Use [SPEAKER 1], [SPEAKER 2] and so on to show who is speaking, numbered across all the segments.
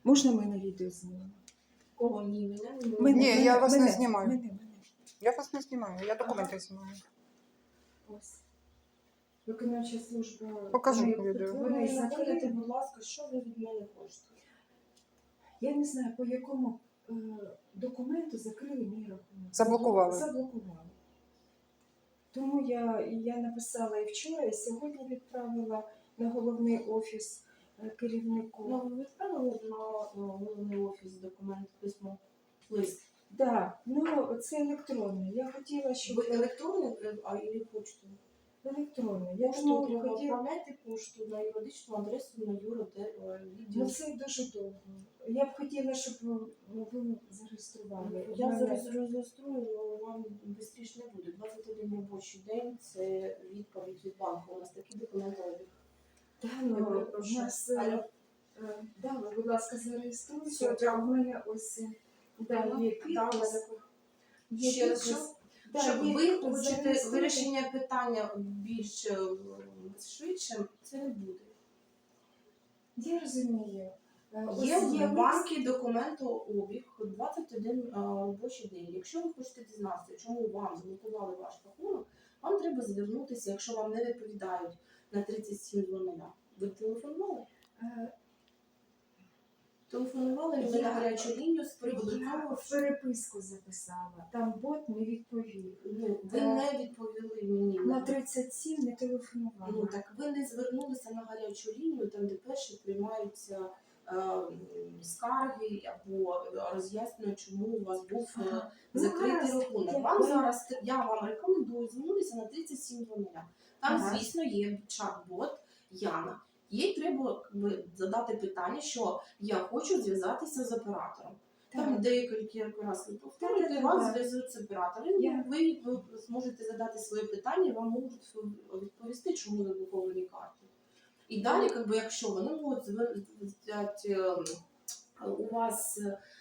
[SPEAKER 1] Можна ми на відео знімемо?
[SPEAKER 2] Кого ні, мене?
[SPEAKER 3] Ні, я вас не знімаю.
[SPEAKER 1] Мене.
[SPEAKER 3] Я вас не знімаю, я документи знімаю.
[SPEAKER 1] Ось. Виконавча служба.
[SPEAKER 3] Покажу
[SPEAKER 1] Вони-
[SPEAKER 3] відео.
[SPEAKER 1] Вони
[SPEAKER 2] Закрити,
[SPEAKER 1] закриті.
[SPEAKER 2] будь ласка, що ви від мене хочете?
[SPEAKER 1] Я не знаю, по якому документу закрили мій рахунок.
[SPEAKER 3] Заблокували.
[SPEAKER 1] Заблокували. Тому я написала і вчора, і сьогодні відправила на головний офіс керівнику.
[SPEAKER 2] Ну, ви відправили на головний офіс документ, письмо, лист.
[SPEAKER 1] Так, ну це електронне. Я хотіла, щоб
[SPEAKER 2] Ви електронний, а і почту?
[SPEAKER 1] електронне. Я
[SPEAKER 2] Пошту
[SPEAKER 1] тому
[SPEAKER 2] треба
[SPEAKER 1] хотіла.
[SPEAKER 2] відправляти пошту на юридичну адресу на
[SPEAKER 1] Ну
[SPEAKER 2] відділ.
[SPEAKER 1] це дуже довго. Я б хотіла, щоб ви зареєстрували.
[SPEAKER 2] Я
[SPEAKER 1] У мене-
[SPEAKER 2] зараз реєструю, але вам швидше не буде. 21 робочий день – це відповідь від банку. У нас такі документи.
[SPEAKER 1] Та,
[SPEAKER 2] Я
[SPEAKER 1] ну,
[SPEAKER 2] перепрошую.
[SPEAKER 1] у нас,
[SPEAKER 2] Алло.
[SPEAKER 1] да, ви, будь ласка, зареєструйте.
[SPEAKER 2] Все,
[SPEAKER 1] А в мене ось є підпис. Є
[SPEAKER 2] Ще раз,
[SPEAKER 1] підпис. Да,
[SPEAKER 2] Щоб
[SPEAKER 1] є
[SPEAKER 2] ви
[SPEAKER 1] підпис,
[SPEAKER 2] хочете
[SPEAKER 1] зареєструйте.
[SPEAKER 2] вирішення питання більш швидше, це не буде.
[SPEAKER 1] Я розумію. Ось
[SPEAKER 2] Є в
[SPEAKER 1] лист.
[SPEAKER 2] банку документообіг 21 робочий день. Якщо ви хочете дізнатися, чому вам заблокували ваш рахунок, вам треба звернутися, якщо вам не відповідають на 3700. Ви телефонували?
[SPEAKER 1] Е,
[SPEAKER 2] Телефонували ви на гарячу лінію з приводу
[SPEAKER 1] Я
[SPEAKER 2] того,
[SPEAKER 1] в переписку записала. Там бот не відповів.
[SPEAKER 2] ну, ви не відповіли мені.
[SPEAKER 1] На 37 не телефонувала.
[SPEAKER 2] Ну так ви не звернулися на гарячу лінію, там де перші приймаються скарги або роз'яснюють, чому у вас був
[SPEAKER 1] Ага.
[SPEAKER 2] закритий
[SPEAKER 1] гаразд.
[SPEAKER 2] рахунок. Я вам рекомендую звернутися на 3700. Там,
[SPEAKER 1] Ага.
[SPEAKER 2] звісно, є чат-бот Яна. Їй треба задати питання, що я хочу зв'язатися з оператором. Там
[SPEAKER 1] Так.
[SPEAKER 2] декілька разів повторюєте,
[SPEAKER 1] Так.
[SPEAKER 2] вас зв'язують з оператором.
[SPEAKER 1] Я-
[SPEAKER 2] Ви зможете задати своє питання, і вам можуть відповісти, чому заблоковані карти. І далі, якщо вони можуть взяти у вас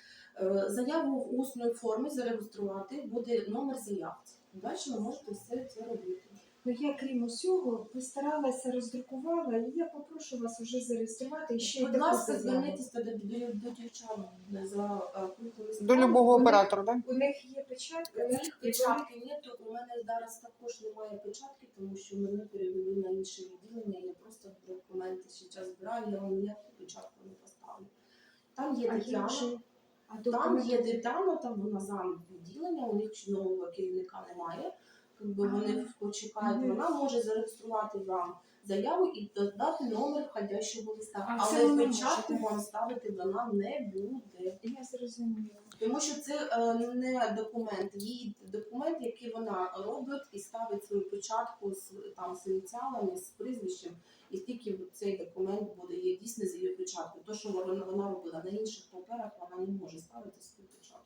[SPEAKER 2] заяву в усній формі, зареєструвати, буде номер заявці. Далі ви можете все це робити.
[SPEAKER 1] Ну я, крім усього, постаралася, роздрукувала, і я попрошу вас вже зареєструвати і ще й
[SPEAKER 2] Будь
[SPEAKER 1] таку
[SPEAKER 2] ласка,
[SPEAKER 1] заяву.
[SPEAKER 2] зверніться до дівчат за пунктом
[SPEAKER 3] До
[SPEAKER 2] справи.
[SPEAKER 3] любого
[SPEAKER 1] Вони-
[SPEAKER 3] оператора, так?
[SPEAKER 1] У них є печатка,
[SPEAKER 2] У них печатки нету, у мене зараз також немає печатки, тому що мене перевели на інше відділення, я просто документи зараз збираю, я вам ніяку печатку не поставлю. Там є Тетяна, там є Тетяна, там вона зам відділення, у них нового керівника немає, вони почекають, вона може зареєструвати вам заяву і додати номер входящого листа,
[SPEAKER 1] А це
[SPEAKER 2] але
[SPEAKER 1] ви не
[SPEAKER 2] печатку
[SPEAKER 1] можете?
[SPEAKER 2] вам ставити вона не буде.
[SPEAKER 1] Я зрозуміла.
[SPEAKER 2] Тому що це не документ, її документ, який вона робить і ставить свою печатку з ініціалами, з прізвищем, і тільки цей документ буде є дійсно з її печаткою. То, що вона робила на інших паперах, вона не може ставити свою печатку.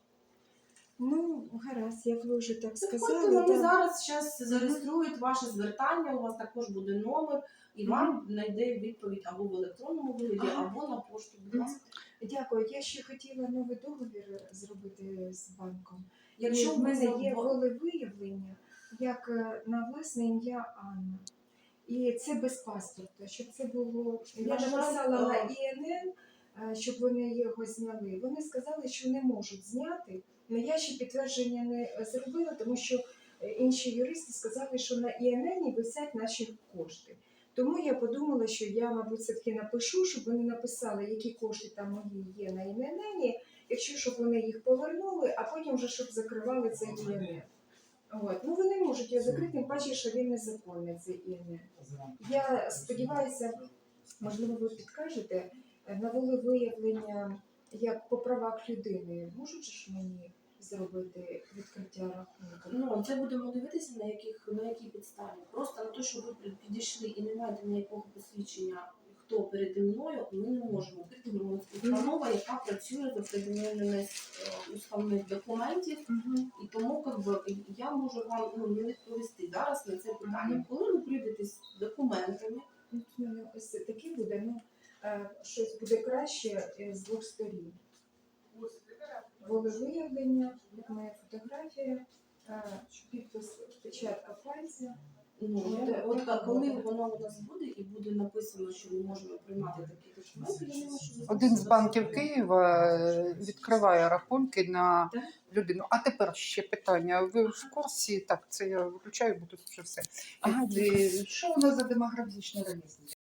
[SPEAKER 1] Ну, гаразд, як ви вже так сказали.
[SPEAKER 2] Тобто вони
[SPEAKER 1] так.
[SPEAKER 2] зараз зареєструють ваше звертання, у вас також буде номер, і вам знайде відповідь або в електронному вигляді,
[SPEAKER 1] Ага.
[SPEAKER 2] або на пошту. Будь ласка.
[SPEAKER 1] Дякую. Я ще хотіла новий договір зробити з банком.
[SPEAKER 2] Якщо
[SPEAKER 1] в мене є
[SPEAKER 2] ви
[SPEAKER 1] волевиявлення, як на власне ім'я Анна. І це без паспорта, щоб це було. Я
[SPEAKER 2] На жаль,
[SPEAKER 1] написала на ІНН, щоб вони його зняли. Вони сказали, що не можуть зняти. Але я ще підтвердження не зробила, тому що інші юристи сказали, що на ІНН висять наші кошти. Тому я подумала, що я, мабуть, все-таки напишу, щоб вони написали, які кошти там мої є на ІНН, якщо щоб вони їх повернули, а потім вже щоб закривали цей ІНН. От. Ну вони можуть його закрити, тим паче, що він незаконний, цей ІНН. Я сподіваюся, можливо, ви підкажете, на волевиявлення як по правах людини, можуть ж мені зробити відкриття рахунку?
[SPEAKER 2] Ну, це будемо дивитися, на якій підставі. Просто на те, що ви підійшли і не маєте ніякого посвідчення, хто переді мною, ми не можемо відкрити. Ми установа, яка працює за пред'явленими уставних документів, і тому я можу вам не відповісти зараз на це питання. Коли ви прийдете з документами,
[SPEAKER 1] Ось таке буде, ну, щось буде краще з двох сторін. Волевиявлення, моя фотографія, підпис, печатка пальця,
[SPEAKER 2] Коли воно у нас буде і буде написано, що ми можемо приймати такі документи, я думаю, що
[SPEAKER 3] Один з банків Києва відкриває рахунки на
[SPEAKER 2] Так.
[SPEAKER 3] людину. А тепер ще питання. Ви в курсі? Так, це я виключаю, бо тут вже все.
[SPEAKER 4] Ага,
[SPEAKER 3] Що у нас за демографічна ревізія?